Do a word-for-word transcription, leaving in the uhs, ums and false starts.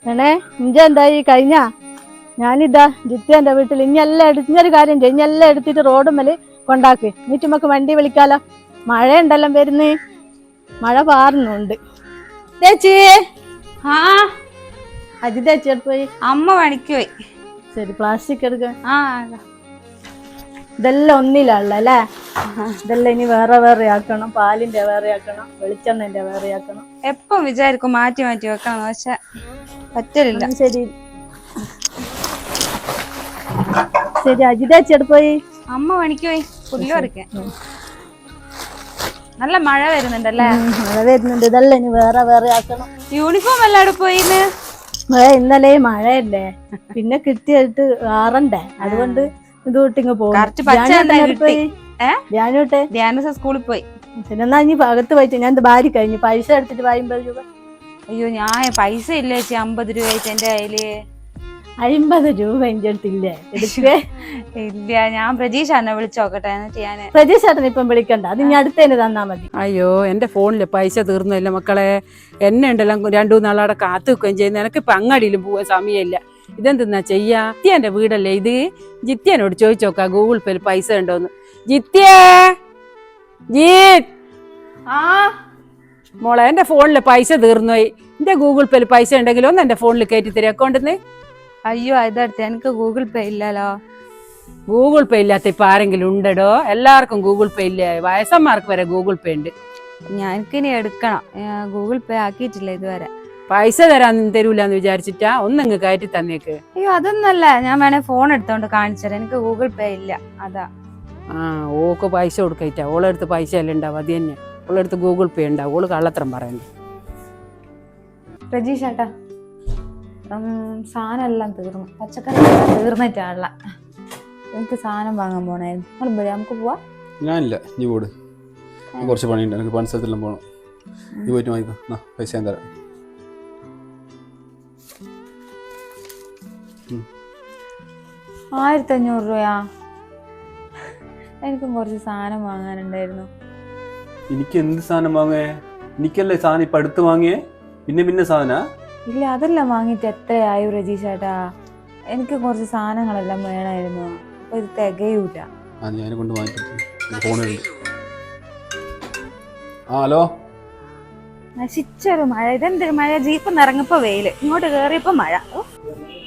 ഏണേ ഇഞ്ച എന്തായി കഴിഞ്ഞ ഞാനിതാ ജിത്തേന്റെ വീട്ടിൽ ഇഞ്ഞെല്ലാം എടുത്ത് ഇഞ്ഞൊരു കാര്യം ചെയ്യും ഇഞ്ഞെല്ലാം എടുത്തിട്ട് റോഡുമ്മല് കൊണ്ടാക്ക് എന്നിട്ട് നമുക്ക് വണ്ടി വിളിക്കാലോ. മഴ ഉണ്ടല്ലോ വരുന്നേ, മഴ പാറുന്നുണ്ട്. ചേച്ചി ആ അജിത ചേച്ചി എടുത്ത് പോയി. അമ്മ പണിക്ക് പോയി. ശരി, പ്ലാസ്റ്റിക് എടുക്ക. ആ ഇതെല്ലാം ഒന്നിലുള്ള അല്ലേ? ഇതെല്ലാം ഇനി വേറെ വേറെ ആക്കണം. പാലിന്റെ വേറെ ആക്കണം, വെളിച്ചെണ്ണന്റെ വേറെ ആക്കണം. എപ്പം വിചാരിക്കും മാറ്റി മാറ്റി വെക്കണം, പക്ഷെ പറ്റലില്ല. ശരി ശരി അജിത ചേച്ചി എടുത്ത് പോയി. അമ്മ പണിക്ക് പോയി പുല്ല് പറിക്കാൻ. നല്ല മഴ വരുന്നുണ്ടല്ലേ? മഴ വരുന്നുണ്ട്. ഇതെല്ലാം ഇനി വേറെ വേറെ ആക്കണം. യൂണിഫോം എല്ലാം അവിടെ പോയിന്ന്. ഇന്നലെ മഴയല്ലേ, പിന്നെ കിട്ടിയിട്ട് ആറണ്ടേ, അതുകൊണ്ട് ഇത് വിട്ടിങ്ങ് പോകും. സ്കൂളിൽ പോയി. പിന്നെ എന്നാ ഇനി അകത്ത് പോയിട്ട് ഞാൻ ഭാര്യ കഴിഞ്ഞു പൈസ എടുത്തിട്ട് അമ്പത് രൂപ. അയ്യോ ഞാൻ പൈസ ഇല്ല ചേച്ചി, അമ്പത് രൂപ ആയിട്ട് എന്റെ കയ്യില്. അമ്പത് രൂപ എന്റെ അടുത്തില്ലേ? എടുക്കേ ഇല്ല. ഞാൻ പ്രജീഷ് എന്നെ വിളിച്ചു നോക്കട്ടെ, എന്നിട്ട് ഞാന്. പ്രജീഷ് ചേട്ടൻ ഇപ്പം വിളിക്കണ്ട, അത് ഇനി അടുത്തന്നെ തന്നാ മതി. അയ്യോ എന്റെ ഫോണില് പൈസ തീർന്നില്ല മക്കളെ. എന്നെ ഉണ്ടല്ലോ രണ്ടു മൂന്നാളവിടെ കാത്തു വെക്കുകയും ചെയ്യുന്ന. എനിക്ക് ഇപ്പൊ അങ്ങാടിയിലും പോവാൻ സമയമില്ല. ഇതെന്തെന്നാ ചെയ്യാ? ജിത്യന്റെ വീടല്ലേ ഇത്? ജിത്യനോട് ചോദിച്ചു നോക്കാം ഗൂഗിൾ പേയിൽ പൈസ ഉണ്ടോന്ന്. ജിത്യേ ജീത് ആ മോളെ, എന്റെ ഫോണില് പൈസ തീർന്നുപോയി. എന്റെ ഗൂഗിൾ പേയിൽ പൈസ ഉണ്ടെങ്കിലും ഒന്ന് എന്റെ ഫോണിൽ കയറ്റി തരും അക്കൗണ്ടിന്ന്. അയ്യോ ഇതടുത്ത് എനിക്ക് ഗൂഗിൾ പേ ഇല്ലല്ലോ. ഗൂഗിൾ പേ ഇല്ലാത്ത ഇപ്പൊ ആരെങ്കിലും ഉണ്ടോ? എല്ലാവർക്കും ഗൂഗിൾ പേ ഇല്ല, വയസ്സന്മാർക്ക് വരെ ഗൂഗിൾ പേ ഉണ്ട്. ഞാനിനി എടുക്കണം, ഗൂഗിൾ പേ ആക്കിയിട്ടില്ല ഇതുവരെ. പൈസ തരാൻ തരൂലെന്ന് വിചാരിച്ചിട്ടാ? ഒന്നങ്ങ് കയറ്റി തന്നേക്ക്. അയ്യോ അതൊന്നല്ല, ഞാൻ വേണേ ഫോൺ എടുത്തോണ്ട് കാണിച്ചുതരാം. എനിക്ക് ഗൂഗിൾ പേ ഇല്ല, അതാ. ആ ഓക്ക് പൈസ കൊടുക്കയിട്ടാ? ഓളെടുത്ത് പൈസ എല്ലാം ഉണ്ടാവും, അത് തന്നെ. ഓളെടുത്ത് ഗൂഗിൾ പേ ഉണ്ടാവും. ഓള് കള്ളത്തരം പറയണ്ട. പ്രജീഷ് ചേട്ടാ, സാധനം എല്ലാം തീർന്നു, പച്ചക്കറി തീർന്നിട്ടാണല്ല. എനിക്ക് സാധനം വാങ്ങാൻ പോണായിരുന്നു. നമ്മൾ വരാം, നമുക്ക് പോവാ. ഞാനില്ല, നീ പോട്. കുറച്ച് പണിയുണ്ട്, എനിക്ക് പണി സ്ഥലത്തെല്ലാം പോകണം. നീ പോയിട്ട് വാങ്ങിക്കോ, പൈസ ഞാൻ തരാം. ആയിരത്തി അഞ്ഞൂറ് രൂപയാ? എനിക്കും കുറച്ച് സാധനം വാങ്ങാനുണ്ടായിരുന്നു. എനിക്ക് എന്ത് സാധനം വാങ്ങേ? എനിക്കല്ലേ സാധനം ഇപ്പൊ അടുത്ത് വാങ്ങിയേ, പിന്നെ പിന്നെ സാധന? ഇല്ല, അതെല്ലാം വാങ്ങിയിട്ട് എത്രയായി രജീഷ് ചേട്ടാ? എനിക്ക് കുറച്ച് സാധനങ്ങളെല്ലാം വേണമായിരുന്നു, അപ്പൊ ഇത് തികയൂല. ആ ഞാൻ കൊണ്ട് വാങ്ങിട്ട് ഫോണിലുണ്ട്. ആ ഹലോ. നശിച്ചൊരു മഴ. ഇതെന്തൊരു മഴ? ജീപ്പ് നിറങ്ങിപ്പോ വെയില്, ഇങ്ങോട്ട് കേറിയപ്പോ മഴ.